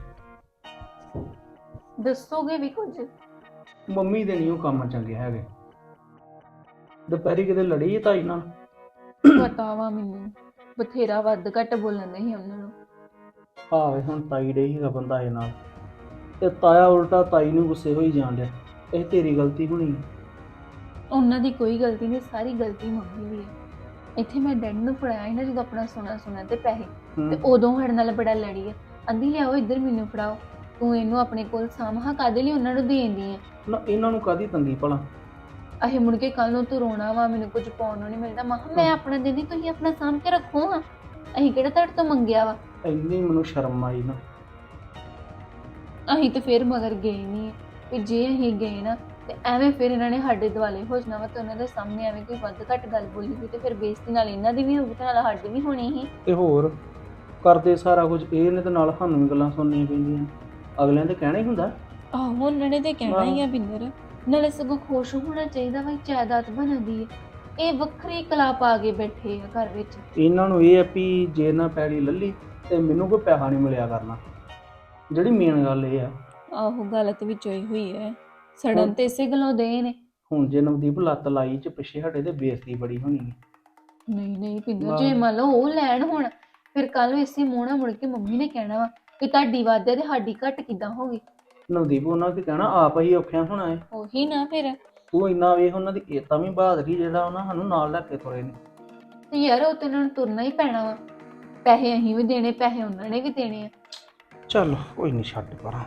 Speaker 4: ਦੱਸੋਗੇ ਵੀ ਕੁਝ?
Speaker 3: ਮੰਮੀ ਦੇ ਨਹੀਂ ਉਹ ਕੰਮ ਚੰਗੇ ਹੈਗੇ। ਦੁਪਹਿਰੀ ਕਿਤੇ ਲੜੀ ਤਾਈ ਨਾਲ।
Speaker 4: ਪਤਾ ਵਾ ਮੈਨੂੰ, ਬਥੇਰਾ ਵੱਧ ਘੱਟ ਬੋਲਣ ਨਹੀਂ ਉਹਨਾਂ ਨੂੰ।
Speaker 3: ਆਵੇ ਹੁਣ ਤਾਈ ਡੇ ਹੀਗਾ ਬੰਦਾ ਇਹ ਨਾਲ, ਤੇ ਤਾਇਆ ਉਲਟਾ ਤਾਈ ਨੂੰ ਗੁੱਸੇ ਹੋਈ ਜਾਣ ਡਿਆ। ਇਹ ਤੇਰੀ ਗਲਤੀ ਹੋਣੀ।
Speaker 4: ਉਹਨਾਂ ਦੀ ਕੋਈ ਗਲਤੀ ਨਹੀਂ, ਸਾਰੀ ਗਲਤੀ ਮੰਮੀ ਦੀ ਹੈ। ਇੱਥੇ ਮੈਂ ਡੈਡ ਨੂੰ ਫੜਾਇਆ ਸੀ ਨਾ ਜਦੋਂ ਆਪਣਾ ਸੋਨਾ ਤੇ ਪੈਸੇ, ਤੇ ਉਦੋਂ ਸਾਡੇ ਨਾਲ ਬੜਾ ਲੜੀ ਹੈ। ਆਂਦੀ ਲਿਆਓ ਇੱਧਰ ਮੈਨੂੰ ਫੜਾਓ, ਤੂੰ ਇਹਨੂੰ ਆਪਣੇ ਕੋਲ ਸਾਂਭਾ, ਕਾਹਦੇ ਲਈ ਉਹਨਾਂ ਨੂੰ ਦੇਂਦੀ ਹੈ।
Speaker 3: ਨਾ ਇਹਨਾਂ ਨੂੰ ਕਾਹਦੀ ਤੰਗੀ ਭਲਾ।
Speaker 4: ਅਹੇ ਮੁੜ ਕੇ ਕੱਲ ਨੂੰ ਤੂੰ ਰੋਣਾ ਵਾ, ਮੈਨੂੰ ਕੁਝ ਪਾਉਣ ਨੂੰ ਨਹੀਂ ਮਿਲਦਾ। ਮੈਂ ਆਪਣਾ ਦਿੰਦੀ, ਤੁਸੀਂ ਆਪਣਾ ਸਾਂਭ ਕੇ ਰੱਖੋ ਹਾਂ। ਅਸੀਂ ਕਿਹੜਾ ਤੁਹਾਡੇ ਤੋਂ ਮੰਗਿਆ ਵਾ।
Speaker 3: ਇੰਨੀ ਮੈਨੂੰ ਸ਼ਰਮ ਆਈ ਨਾ।
Speaker 4: ਅਸੀਂ ਤੇ ਫਿਰ ਮਗਰ ਗਏ ਨਹੀਂ ਵੀ ਜੇ ਅਸੀਂ ਗਏ ਨਾ ਤੇ ਐਵੇਂ ਫਿਰ ਇਹਨਾਂ ਨੇ ਸਾਡੇ ਦੁਆਲੇ ਹੋ ਜਾਣਾ ਵਾ, ਤੇ ਉਹਨਾਂ ਦੇ ਸਾਹਮਣੇ ਐਵੇਂ ਕੋਈ ਵੱਧ ਘੱਟ ਗੱਲ ਬੋਲੀ ਹੋਈ ਤੇ ਫਿਰ ਬੇਇੱਜ਼ਤੀ ਨਾਲ ਇਹਨਾਂ ਦੀ ਵੀ ਹੋਊਗੀ ਤੇ ਨਾਲ ਸਾਡੀ ਵੀ ਹੋਣੀ ਸੀ।
Speaker 3: ਤੇ ਹੋਰ ਕਰਦੇ ਸਾਰਾ ਕੁਝ ਇਹ ਨੇ, ਤੇ ਨਾਲ ਸਾਨੂੰ ਵੀ ਗੱਲਾਂ ਸੁਣਨੀਆਂ ਪੈਂਦੀਆਂ। ਅਗਲਿਆਂ ਦੇ ਕਹਿਣਾ ਹੀ ਹੁੰਦਾ।
Speaker 4: ਆਹੋ ਉਹਨਾਂ ਨੇ ਤੇ ਕਹਿਣਾ ਹੀ ਆ ਬਿੰਦਰ, ਨਾਲੇ ਸਗੋਂ ਖੁਸ਼ ਹੋਣਾ ਚਾਹੀਦਾ ਵਾ, ਜਾਇਦਾਦ ਬਣਦੀ ਹੈ। ਇਹ ਵੱਖਰੀ ਕਲਾ ਪਾ ਕੇ ਬੈਠੇ ਆ ਘਰ ਵਿੱਚ।
Speaker 3: ਇਹਨਾਂ ਨੂੰ ਇਹ ਆ ਵੀ ਜੇ ਨਾ ਪੈੜੀ ਲੱਲੀ ਤੇ ਮੈਨੂੰ ਕੋਈ ਪੈਸਾ ਨਹੀਂ ਮਿਲਿਆ ਕਰਨਾ। ਜਿਹੜੀ ਮੇਨ ਗੱਲ ਇਹ ਆ।
Speaker 4: ਆਹੋ ਗੱਲ ਤੇ ਵਿੱਚੋਂ ਹੀ ਹੋਈ ਹੈ, ਸੜਨ ਤੇ ਇਸੇ ਗੱਲੋਂ ਦੇ ਨੇ।
Speaker 3: ਹੁਣ ਜੇ ਨਵਦੀਪ ਲੱਤ ਲਾਈ ਚ ਪਿੱਛੇ ਸਾਡੇ ਤੇ ਬੇਇੱਜ਼ਤੀ ਬੜੀ ਹੋਣੀ ਹੈ।
Speaker 4: ਨਹੀਂ ਬਿੰਦਰ, ਜੇ ਮੰਨ ਲਓ ਉਹ ਲੈਣ ਹੁਣ, ਫਿਰ ਕੱਲ ਨੂੰ ਇਸੇ ਮੂੰਹ ਨਾਲ ਮੁੜ ਕੇ ਮੰਮੀ ਨੇ ਕਹਿਣਾ ਵਾ ਕਿ ਤੁਹਾਡੀ ਵੱਧ ਹੈ ਤੇ ਸਾਡੀ ਘੱਟ ਕਿੱਦਾਂ ਹੋ ਗਈ।
Speaker 3: ਨਵਦੀਪ ਉਹਨਾਂ ਕੀ ਕਹਿਣਾ, ਆਪ ਹੀ ਔਖਿਆ ਹੋਣਾ ਹੈ।
Speaker 4: ਉਹੀ ਨਾ ਫਿਰ।
Speaker 3: ਤੂੰ ਇੰਨਾ ਵੇਖ ਉਹਨਾਂ ਦੀ ਏਤਾ ਵੀ ਬਹਾਦਰੀ, ਜਿਹੜਾ ਉਹਨਾਂ ਸਾਨੂੰ ਨਾਲ ਲੈ ਕੇ ਤੁਰੇ ਨੇ।
Speaker 4: ਤੇ ਯਾਰ ਉਹ ਤੇ ਉਹਨਾਂ ਨੂੰ ਤੁਰਨਾ ਹੀ ਪੈਣਾ ਵਾ, ਪੈਸੇ ਅਸੀਂ ਵੀ ਦੇਣੇ, ਪੈਸੇ ਉਹਨਾਂ ਨੇ ਵੀ ਦੇਣੇ ਆ।
Speaker 3: ਚੱਲ ਕੋਈ ਨਹੀਂ, ਛੱਡ ਪਰਾਂ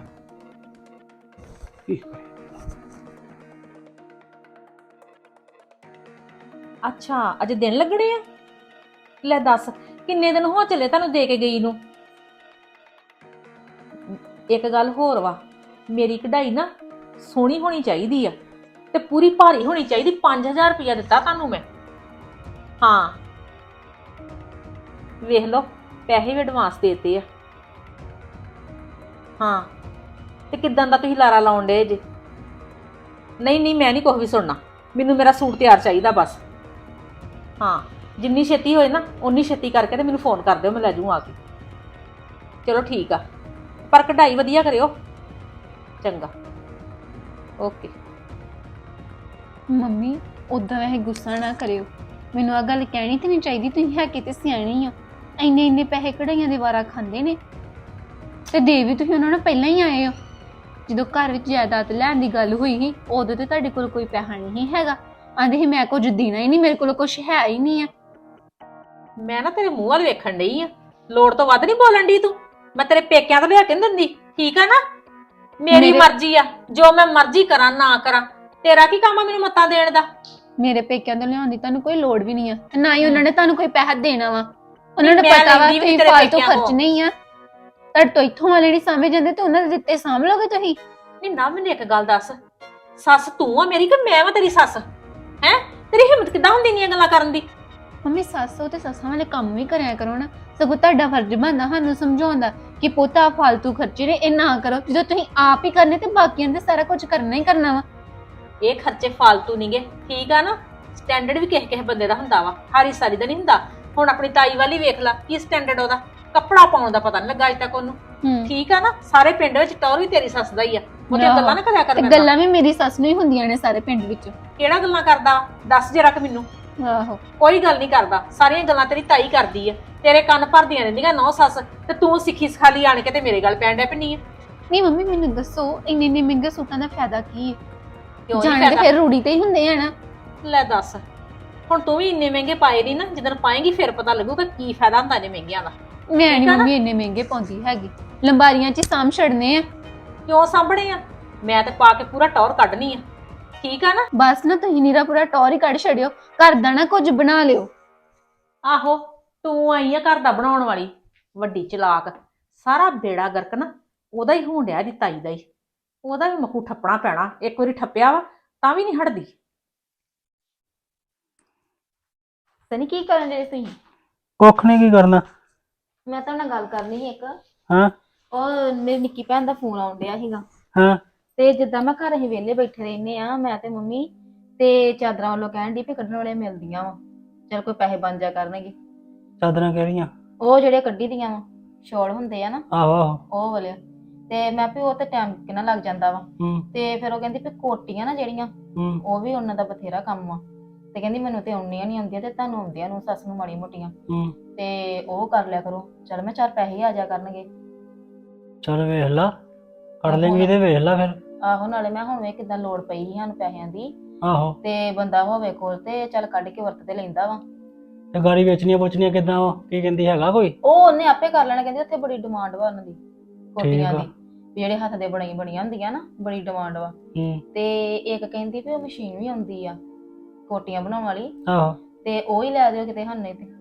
Speaker 3: ਕੀ ਕਰੇ।
Speaker 5: ਅੱਛਾ ਅੱਜ ਦਿਨ ਲੱਗਣੇ ਆ? ਲੈ ਦੱਸ, ਕਿੰਨੇ ਦਿਨ ਹੋ ਚੱਲੇ ਤੁਹਾਨੂੰ ਦੇ ਕੇ ਗਈ ਨੂੰ। ਇੱਕ ਗੱਲ ਹੋਰ ਵਾ, ਮੇਰੀ ਕਢਾਈ ਨਾ ਸੋਹਣੀ ਹੋਣੀ ਚਾਹੀਦੀ ਆ ਤੇ ਪੂਰੀ ਭਾਰੀ ਹੋਣੀ ਚਾਹੀਦੀ। 5000 ਰੁਪਇਆ ਦਿੱਤਾ ਤੁਹਾਨੂੰ ਮੈਂ। ਹਾਂ ਵੇਖ ਲਓ ਪੈਸੇ ਵੀ ਐਡਵਾਂਸ ਦੇਤੇ ਆ। ਹਾਂ ਤੇ ਕਿਦਾਂ ਦਾ ਤੁਸੀਂ ਲਾਰਾ ਲਾਉਣ ਡੇ ਜੇ? ਨਹੀਂ ਨਹੀਂ ਮੈਂ ਨਹੀਂ ਕੁਛ ਵੀ ਸੁਣਨਾ, ਮੈਨੂੰ ਮੇਰਾ ਸੂਟ ਤਿਆਰ ਚਾਹੀਦਾ ਬਸ। ਹਾਂ ਜਿੰਨੀ ਛੇਤੀ ਹੋਏ ਨਾ ਉਨੀ ਛੇਤੀ ਕਰਕੇ ਤੇ ਮੈਨੂੰ ਫੋਨ ਕਰ ਦਿਓ, ਮੈਂ ਲੈ ਜੂ ਆ ਕੇ। ਚਲੋ ਠੀਕ ਆ, ਪਰ ਕਢਾਈ ਵਧੀਆ ਕਰਿਓ। ਚੰਗਾ ਓਕੇ।
Speaker 4: ਮੰਮੀ ਉਦਾਂ ਵੈਸੇ ਗੁੱਸਾ ਨਾ ਕਰਿਓ, ਮੈਨੂੰ ਆ ਗੱਲ ਕਹਿਣੀ ਤੇ ਨਹੀਂ ਚਾਹੀਦੀ, ਤੁਸੀਂ ਹੈ ਕਿਤੇ ਸਿਆਣੀ ਆ। ਇੰਨੇ ਇੰਨੇ ਪੈਸੇ ਕਢਾਈਆਂ ਦੇ ਵਾਰਾ ਖਾਂਦੇ ਨੇ ਤੇ ਦੇ ਵੀ ਤੁਸੀਂ ਉਹਨਾਂ ਨੂੰ ਪਹਿਲਾਂ ਹੀ ਆਏ ਹੋ। ਜਦੋਂ ਘਰ ਵਿੱਚ ਜਾਇਦਾਦ ਲੈਣ ਦੀ ਗੱਲ ਹੋਈ ਸੀ ਉਦੋਂ ਤੇ ਤੁਹਾਡੇ ਕੋਲ ਕੋਈ ਪੈਸਾ ਨਹੀਂ ਹੈਗਾ, ਆਂਦੇ ਸੀ ਮੈਂ ਕੁਝ ਦੇਣਾ ਹੀ ਨਹੀਂ, ਮੇਰੇ ਕੋਲ ਕੁਝ ਹੈ ਹੀ ਨਹੀਂ ਆ।
Speaker 5: ਮੈਂ ਨਾ ਤੇਰੇ ਮੂੰਹ ਵੱਲ ਵੇਖਣ ਡਈ ਆ, ਲੋੜ ਤੋਂ ਵੱਧ ਨਹੀਂ ਬੋਲਣ ਡਈ ਤੂੰ। ਮੈਂ ਤੇਰੇ ਪੇਕਿਆਂ ਤੋਂ ਲਿਆ ਕੇ ਨੀ ਦਿੰਦੀ, ਠੀਕ ਆ ਨਾ? ਮੇਰੀ ਮਰਜ਼ੀ ਆ, ਜੋ ਮੈਂ ਮਰਜ਼ੀ ਕਰਾਂ ਨਾ ਕਰਾਂ, ਤੇਰਾ ਕੀ ਕੰਮ ਆ ਮੈਨੂੰ ਮੱਤਾਂ ਦੇਣ ਦਾ?
Speaker 4: ਮੇਰੇ ਪੇਕਿਆਂ ਤੋਂ ਲਿਆਉਣ ਦੀ ਤੁਹਾਨੂੰ ਕੋਈ ਲੋੜ ਵੀ ਨਹੀਂ ਆ, ਤੇ ਨਾ ਹੀ ਉਹਨਾਂ ਨੇ ਤੁਹਾਨੂੰ ਕੋਈ ਪੈਸਾ ਦੇਣਾ ਵਾ। ਉਹਨਾਂ ਨੂੰ
Speaker 5: ਮੈਂ
Speaker 4: ਪਤਾ ਵਾ
Speaker 5: ਲੈਂਦੀ ਵੀ
Speaker 4: ਤੁਸੀਂ
Speaker 5: ਤੇਰੇ
Speaker 4: ਫਾਲਤੂ
Speaker 5: ਪੇਕਿਆਂ
Speaker 4: ਖਰਚ
Speaker 5: ਤੋਂ।
Speaker 4: ਨਹੀਂ ਆ, ਤੁਹਾਡੇ ਤੋਂ ਇੱਥੋਂ ਵਾਲੇ ਨਹੀਂ ਸਾਂਭੇ ਜਾਂਦੇ ਤੇ ਉਹਨਾਂ ਦੇ ਦਿੱਤੇ ਸਾਂਭ ਲਓਗੇ ਤੁਸੀਂ।
Speaker 5: ਨਹੀਂ ਨਾ, ਮੈਨੂੰ ਇੱਕ ਗੱਲ ਦੱਸ, ਸੱਸ ਤੂੰ ਆ ਮੇਰੀ ਕਿ ਮੈਂ ਵਾ ਤੇਰੀ ਸੱਸ? ਹੈ ਤੇਰੀ ਹਿੰਮਤ ਕਿੱਦਾਂ ਹੁੰਦੀ ਨੀ ਇਹ ਗੱਲਾਂ ਕਰਨ ਦੀ?
Speaker 4: ਮੰਮੀ ਸੱਸੋ ਤੇ ਸੱਸਾਂ ਵਾਲੇ ਕੰਮ ਵੀ ਕਰਿਆ ਕਰੋ ਨਾ, ਸਗੋਂ ਤੁਹਾਡਾ ਫਰਜ਼ ਬਣਦਾ ਸਾਨੂੰ ਸਮਝਾਉਂਦਾ ਕਿ ਪੋਤਾ ਫਾਲਤੂ ਖਰਚੇ ਨੇ ਇਹ ਨਾ ਕਰੋ, ਜਦੋਂ ਤੁਸੀਂ ਆਪ ਹੀ ਕਰਨੇ ਤੇ ਬਾਕੀਆਂ ਨੇ ਸਾਰਾ ਕੁਝ ਕਰਨਾ ਹੀ ਕਰਨਾ ਵਾ।
Speaker 5: ਇਹ ਖਰਚੇ ਫਾਲਤੂ ਨਹੀਂਗੇ, ਠੀਕ ਆ ਨਾ? ਸਟੈਂਡਰਡ ਵੀ ਕਿਸੇ ਕਿਸੇ ਬੰਦੇ ਦਾ ਹੁੰਦਾ ਵਾ, ਹਾਰੀ ਸਾਰੀ ਦਾ ਨਹੀਂ ਹੁੰਦਾ। ਹੁਣ ਆਪਣੀ ਤਾਈ ਵਾਲੀ ਵੇਖ ਲਾ, ਕੀ ਸਟੈਂਡਰਡ ਉਹਦਾ, ਕੱਪੜਾ ਪਾਉਣ ਦਾ ਪਤਾ ਨਹੀਂ ਲੱਗਾ ਅਜੇ ਤੱਕ ਉਹਨੂੰ, ਠੀਕ ਆ ਨਾ? ਸਾਰੇ ਪਿੰਡ ਵਿੱਚ ਟੌਰ ਵੀ ਤੇਰੀ ਸੱਸ ਦਾ ਹੀ ਆ, ਉਹਦੇ ਗੱਲਾਂ ਨਾ ਕਰਿਆ ਕਰ।
Speaker 4: ਤੇ ਗੱਲਾਂ ਵੀ ਮੇਰੀ ਸੱਸ ਨੂੰ ਹੀ ਹੁੰਦੀਆਂ ਨੇ ਸਾਰੇ ਪਿੰਡ ਵਿੱਚ।
Speaker 5: ਕਿਹੜਾ ਗੱਲਾਂ ਕਰਦਾ ਦੱਸ ਜਰਾ ਕਿ ਮੈਨੂੰ।
Speaker 4: ਆਹੋ
Speaker 5: ਕੋਈ ਗੱਲ ਨਹੀਂ ਕਰਦਾ, ਸਾਰੀਆਂ ਗੱਲਾਂ ਤੇਰੀ ਤਾਈ ਕਰਦੀ ਆ, ਤੇਰੇ ਕੰਨ ਭਰਦੀਆਂ ਰਹਿੰਦੀਆਂ ਨੌ ਸੱਸ, ਤੇ ਤੂੰ ਸਿੱਖੀ ਸਿਖਾਲੀ ਆਣ ਕੇ ਤੇ ਮੇਰੇ ਗੱਲ ਪੈਣ ਡੈ ਪੈਣੀ ਆ।
Speaker 4: ਨਹੀਂ ਮੰਮੀ ਮੈਨੂੰ ਦੱਸੋ ਇੰਨੇ ਇੰਨੇ ਮਹਿੰਗੇ ਸੂਟਾਂ ਦਾ ਫਾਇਦਾ ਕੀ ਹੈ?
Speaker 5: ਕਿਉਂ ਨੀ
Speaker 4: ਜਾਣੇ ਤੇ
Speaker 5: ਫਾਇਦਾ?
Speaker 4: ਫਿਰ ਰੂੜੀ ਤੇ ਹੀ ਹੁੰਦੇ ਆ ਨਾ।
Speaker 5: ਲੈ ਦੱਸ, ਹੁਣ ਤੂੰ ਵੀ ਇੰਨੇ ਮਹਿੰਗੇ ਪਾਏ ਨਹੀਂ ਨਾ, ਜਦੋਂ ਪਾਏਂਗੀ ਫਿਰ ਪਤਾ ਲੱਗੂਗਾ ਕੀ ਫਾਇਦਾ ਹੁੰਦਾ ਨੇ ਮਹਿੰਗਿਆਂ ਦਾ।
Speaker 4: ਮੈਂ ਨਹੀਂ
Speaker 5: ਠੀਕ ਆ ਨਾ?
Speaker 4: ਮੰਮੀ ਇੰਨੇ ਮਹਿੰਗੇ ਪਾਉਂਦੀ ਹੈਗੀ, ਲੰਬਾਰੀਆਂ 'ਚ ਹੀ ਸਾਂਭ ਛੱਡਨੇ ਆ।
Speaker 5: ਕਿਉਂ ਸਾਂਭਣੇ ਆ? ਮੈਂ ਤੇ ਪਾ ਕੇ ਪੂਰਾ ਟੌਰ ਕੱਢਣੀ ਆ, ਠੀਕ ਆ ਨਾ?
Speaker 4: ਬਸ ਨਾ ਤੁਸੀਂ ਨੀਰਾ ਪੂਰਾ ਟੌਰ ਹੀ ਕੱਢ ਛੱਡਿਓ, ਘਰ ਦਾ ਨਾ ਕੁਝ ਬਣਾ ਲਿਓ।
Speaker 5: ਆਹੋ ਤੂੰ ਆਈ ਆ ਘਰ ਦਾ ਬਣਾਉਣ ਵਾਲੀ ਵੱਡੀ ਚਲਾਕ, ਸਾਰਾ ਬੇੜਾ ਗਰਕ ਨਾ ਉਹਦਾ ਹੀ ਹੋਣ ਡਿਆ, ਦੀ ਤਾਈ ਦਾ ਹੀ। ਉਹਦਾ ਵੀ ਮੱਖੂ ਠੱਪਣਾ ਪੈਣਾ, ਇੱਕ ਵਾਰੀ ਠੱਪਿਆ ਵਾ ਤਾਂ ਵੀ ਨਹੀਂ ਹਟਦੀ।
Speaker 4: ਸਨੀ ਕੀ ਕਰਨ ਦੇ ਤੁਸੀਂ?
Speaker 3: ਕੁੱਖ ਨਹੀਂ, ਕੀ ਕਰਨਾ?
Speaker 4: ਮੈਂ ਤਾਂ ਨਾਲ ਗੱਲ ਕਰਨੀ ਸੀ ਇੱਕ।
Speaker 3: ਹਾਂ
Speaker 4: ਉਹ ਮੇਰੀ ਨਿੱਕੀ ਭੈਣ ਦਾ ਫੋਨ ਆਉਣ ਡਿਆ ਸੀਗਾ,
Speaker 3: ਹਾਂ
Speaker 4: ਤੇ ਜਿੱਦਾਂ ਮੈਂ ਘਰ ਅਸੀਂ ਵਿਹਲੇ ਬੈਠੇ ਰਹਿੰਦੇ ਆ ਮੈਂ ਤੇ ਮੰਮੀ, ਤੇ ਚਾਦਰਾਂ ਵੱਲੋਂ ਕਹਿਣ ਦੀ ਵੀ ਕੱਢਣ ਵਾਲੇ ਮਿਲਦੀਆਂ ਵਾ, ਚਲ ਕੋਈ ਪੈਸੇ ਬਣ ਜਾ ਕਰਨਗੇ।
Speaker 3: ਚਾਦਰਾਂ ਕਿਹੜੀਆਂ?
Speaker 4: ਉਹ ਜਿਹੜੇ ਕੱਢੀ ਦੀਆਂ ਵਾ, ਸ਼ੋਲ ਹੁੰਦੇ ਆ ਨਾ
Speaker 3: ਆਹੋ ਆਹੋ।
Speaker 4: ਉਹ ਵਾਲੇ। ਤੇ ਮੈਂ ਵੀ ਉਹ ਤੇ ਟਾਈਮ ਕਿੰਨਾ ਲੱਗ ਜਾਂਦਾ ਵਾ,
Speaker 3: ਹੂੰ
Speaker 4: ਤੇ ਫਿਰ ਉਹ ਕਹਿੰਦੀ ਵੀ ਕੋਟੀਆਂ ਨਾ ਜਿਹੜੀਆਂ,
Speaker 3: ਹੂੰ
Speaker 4: ਉਹ ਵੀ ਉਹਨਾਂ ਦਾ ਬਥੇਰਾ ਕੰਮ ਆ, ਤੇ ਕਹਿੰਦੀ ਮੈਨੂੰ ਤੇ ਆਉਣੀਆਂ ਨਹੀਂ ਆਉਂਦੀਆਂ, ਤੇ ਤੁਹਾਨੂੰ ਆਉਂਦੀਆਂ ਨੂੰ ਸੱਸ ਨੂੰ ਮਾੜੀ ਮੋਟੀਆਂ,
Speaker 3: ਹੂੰ।
Speaker 4: ਤੇ ਉਹ ਕਰ ਲਿਆ ਕਰੋ। ਚਲ ਮੈਂ 4 ਪੈਸੇ ਆ ਜਾ ਕਰਨਗੇ।
Speaker 3: ਚੱਲ ਵੇਖ ਲਾ, ਕਰ ਲੈਂਗੀ ਤੇ ਵੇਖ ਲਾ ਫਿਰ।
Speaker 4: ਆਹੋ ਨਾਲੇ ਮੈਂ ਹੁਣ ਵੇਖ ਕਿਦਾਂ ਲੋੜ ਪਈ ਸੀ ਸਾਨੂੰ ਪੈਸਿਆਂ ਦੀ,
Speaker 3: ਆਹੋ
Speaker 4: ਤੇ ਬੰਦਾ ਹੋਵੇ ਕੋਲ ਤੇ ਚੱਲ ਕੱਢ ਕੇ ਵਰਤ ਤੇ ਲੈਂਦਾ ਵਾ।
Speaker 3: ਤੇ ਗਾੜੀ ਵੇਚਣੀਆਂ ਪੁੱਛਣੀਆਂ ਕਿੱਦਾਂ ਵਾ, ਕੀ ਕਹਿੰਦੀ ਹੈਗਾ ਕੋਈ?
Speaker 4: ਉਹ ਉਹਨੇ ਆਪੇ ਕਰ ਲੈਣਾ, ਕਹਿੰਦੀ ਉੱਥੇ ਬੜੀ ਡਿਮਾਂਡ ਵਾ ਉਹਨਾਂ ਦੀ ਕੋਟੀਆਂ
Speaker 3: ਠੀਕ ਆ।
Speaker 4: ਦੀ, ਵੀ ਜਿਹੜੇ ਹੱਥ ਦੇ ਬਣੀਆਂ ਹੁੰਦੀਆਂ ਨਾ, ਬੜੀ ਡਿਮਾਂਡ ਵਾ।
Speaker 3: ਹੂੰ
Speaker 4: ਤੇ ਇੱਕ ਕਹਿੰਦੀ ਵੀ ਉਹ ਮਸ਼ੀਨ ਵੀ ਆਉਂਦੀ ਆ ਕੋਟੀਆਂ ਬਣਾਉਣ ਵਾਲੀ,
Speaker 3: ਆਹੋ।
Speaker 4: ਤੇ ਉਹ ਹੀ ਲੈ ਦਿਓ ਕਿਤੇ ਸਾਨੂੰ ਤੇ।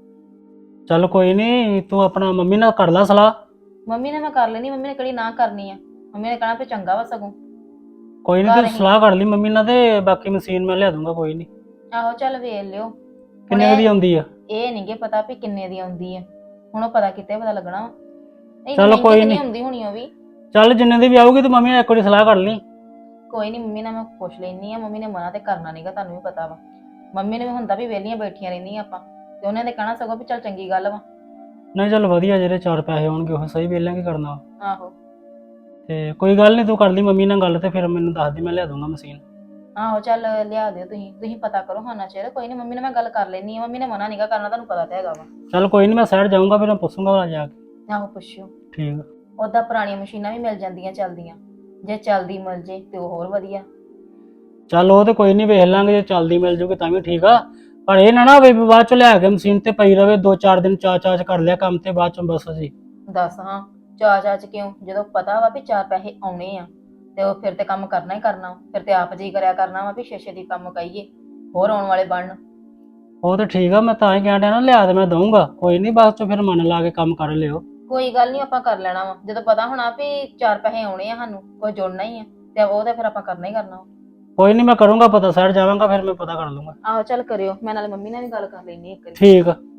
Speaker 3: ਚੱਲ ਕੋਈ ਨਹੀਂ, ਤੂੰ ਆਪਣਾ ਮੰਮੀ ਨਾਲ ਕਰ ਲਾ ਸਲਾਹ।
Speaker 4: ਮੰਮੀ ਨੇ ਮੈਂ ਕਰ ਲੈਣੀ, ਮੰਮੀ ਨੇ ਕਿਹੜੀ ਨਾ ਕਰਨੀ ਆ, ਮੰਮੀ ਨੇ ਕਹਿਣਾ ਵੀ ਚੰਗਾ ਵਾ ਸਗੋਂ।
Speaker 3: ਕੋਈ ਨਹੀਂ, ਤੂੰ ਸਲਾਹ ਕਰ ਲਈ ਮੰਮੀ ਨਾਲ, ਤੇ ਬਾਕੀ ਮਸ਼ੀਨ ਮੈਂ ਲਿਆ ਦੂੰਗਾ, ਕੋਈ ਨਹੀਂ।
Speaker 4: ਆਹੋ ਚੱਲ ਵੇਖ ਲਿਓ।
Speaker 3: ਕਿੰਨੇ ਦੀ ਆਉਂਦੀ ਆ?
Speaker 4: ਇਹ ਨਹੀਂਗੇ ਪਤਾ ਵੀ ਕਿੰਨੇ ਦੀ ਆਉਂਦੀ ਆ, ਹੁਣ ਉਹ ਪਤਾ ਕਿਤੇ ਪਤਾ ਲੱਗਣਾ ਵਾ।
Speaker 3: ਚੱਲ ਕੋਈ ਨੀ।
Speaker 4: ਆਉਂਦੀ ਹੋਣੀ ਉਹ ਵੀ।
Speaker 3: ਚੱਲ ਜਿੰਨੇ ਦੀ ਵੀ ਆਊਗੀ ਤੇ ਮੰਮੀ ਨਾਲ ਇੱਕ ਵਾਰੀ ਸਲਾਹ ਕਰ ਲਈ।
Speaker 4: ਕੋਈ ਨਹੀਂ ਮੰਮੀ ਨਾਲ ਮੈਂ ਪੁੱਛ ਲੈਣੀ ਆ, ਮੰਮੀ ਨੇ ਮਨਾ ਤੇ ਕਰਨਾ ਨਹੀਂਗਾ, ਤੁਹਾਨੂੰ ਵੀ ਪਤਾ ਵਾ। ਮੰਮੀ ਨੇ ਵੀ ਹੁੰਦਾ ਵੀ ਵਿਹਲੀਆਂ ਬੈਠੀਆਂ ਰਹਿੰਦੀਆਂ ਆਪਾਂ, ਤੇ ਉਹਨੇ ਤੇ ਕਹਿਣਾ ਸਗੋਂ ਵੀ ਚੱਲ ਚੰਗੀ ਗੱਲ ਵਾ।
Speaker 3: ਨਹੀਂ ਚੱਲ ਵਧੀਆ, ਜਿਹੜੇ 4 ਪੈਸੇ ਆਉਣਗੇ ਉਹ ਸਹੀ ਵੇਲਾਂਗੇ ਕਰਨਾ।
Speaker 4: ਆਹੋ
Speaker 3: ਤੇ ਕੋਈ ਗੱਲ ਨਹੀਂ, ਤੂੰ ਕਰ ਲਈ ਮੰਮੀ ਨਾਲ ਗੱਲ, ਤੇ ਫਿਰ ਮੈਨੂੰ ਦੱਸ ਦੀ, ਮੈਂ ਲਿਆ ਦੂੰਗਾ ਮਸ਼ੀਨ।
Speaker 4: ਆਹੋ ਚੱਲ ਲਿਆ ਦਿਓ, ਤੁਸੀਂ ਪਤਾ ਕਰੋ ਹਾਂ ਚਿਰ। ਕੋਈ ਨਹੀਂ ਮੰਮੀ ਨਾਲ ਮੈਂ ਗੱਲ ਕਰ ਲੈਣੀ ਆ, ਮੰਮੀ ਨੇ ਮਨਾ ਨਹੀਂਗਾ ਕਰਨਾ, ਤੁਹਾਨੂੰ ਪਤਾ ਤਾਂ ਹੈਗਾ ਵਾ।
Speaker 3: ਚੱਲ ਕੋਈ ਨਹੀਂ, ਮੈਂ ਸਾਈਡ ਜਾਊਂਗਾ, ਫਿਰ ਮੈਂ ਪੁੱਛੂੰਗਾ ਜਾ ਕੇ।
Speaker 4: ਆਹੋ ਪੁੱਛਿਓ।
Speaker 3: ਠੀਕ ਆ।
Speaker 4: ਉਦਾਂ ਪੁਰਾਣੀਆਂ ਮਸ਼ੀਨਾਂ ਵੀ ਮਿਲ ਜਾਂਦੀਆਂ ਚੱਲਦੀਆਂ, ਜੇ ਚੱਲਦੀ ਮਿਲ ਜੇ ਤੇ ਉਹ ਹੋਰ ਵਧੀਆ।
Speaker 3: ਚੱਲ ਉਹ ਤੇ ਕੋਈ ਨਹੀਂ, ਵੇਖ ਲਾਂਗੇ, ਜੇ ਚੱਲਦੀ ਮਿਲ ਜੂਗੀ ਤਾਂ ਵੀ ਠੀਕ ਆ, ਪਰ ਇਹ ਨਾ ਹੋਵੇ ਵੀ ਬਾਅਦ ਚ ਲਿਆ ਕੇ ਮਸ਼ੀਨ ਤੇ ਪਈ ਰਵੇ 2-4 ਦਿਨ, ਚਾਚ ਕਰ ਲਿਆ ਕੰਮ ਤੇ ਬਾਅਦ ਚ ਬਸ ਜੀ।
Speaker 4: ਦੱਸ ਹਾਂ, ਚਾਚ ਕਿਉਂ, ਜਦੋਂ ਪਤਾ ਵਾ ਵੀ 4 ਪੈਸੇ ਆਉਣੇ ਆ ਤੇ ਉਹ ਫਿਰ ਤੇ ਕੰਮ ਕਰਨਾ ਹੀ ਕਰਨਾ, ਫਿਰ ਤੇ ਆਪ ਜੀ ਕਰਿਆ ਕਰਨਾ ਵਾ ਵੀ ਛੇ ਦੀ ਕੰਮ ਕਹੀਏ, ਹੋਰ ਆਉਣ ਵਾਲੇ ਬਣਨ।
Speaker 3: ਉਹ ਤੇ ਠੀਕ ਆ, ਮੈਂ ਤਾਂ ਹੀ ਕਹਿਣ ਡਿਆ ਨਾ, ਲਿਆ ਤੇ ਮੈਂ ਦਊਂਗਾ, ਕੋਈ ਨਹੀਂ, ਬਾਅਦ ਚ ਫਿਰ ਮਨ ਲਾ ਕੇ ਕੰਮ ਕਰ ਲਿਓ।
Speaker 4: ਕੋਈ ਗੱਲ ਨਹੀਂ, ਆਪਾਂ ਕਰ ਲੈਣਾ ਵਾ, ਜਦੋਂ ਪਤਾ ਹੋਣਾ ਵੀ 4 ਪੈਸੇ ਆਉਣੇ ਆ ਸਾਨੂੰ, ਕੋਈ ਜੁੜਨਾ ਹੀ ਆ, ਤੇ ਉਹ ਤੇ ਫਿਰ ਆਪਾਂ ਕਰਨਾ ਹੀ ਕਰਨਾ ਵਾ।
Speaker 3: ਕੋਈ ਨਹੀਂ, ਮੈਂ ਕਰੂੰਗਾ ਪਤਾ, ਸ਼ਹਿਰ ਜਾਵਾਂਗਾ ਫਿਰ ਮੈਂ ਪਤਾ ਕਰ ਲੂੰਗਾ।
Speaker 5: ਆਹੋ ਚੱਲ ਕਰਿਓ, ਮੈਂ ਨਾਲੇ ਮੰਮੀ ਨਾਲ ਵੀ ਗੱਲ ਕਰ ਲੈਣੀ ਇੱਕ ਵਾਰੀ।
Speaker 3: ਠੀਕ ਆ।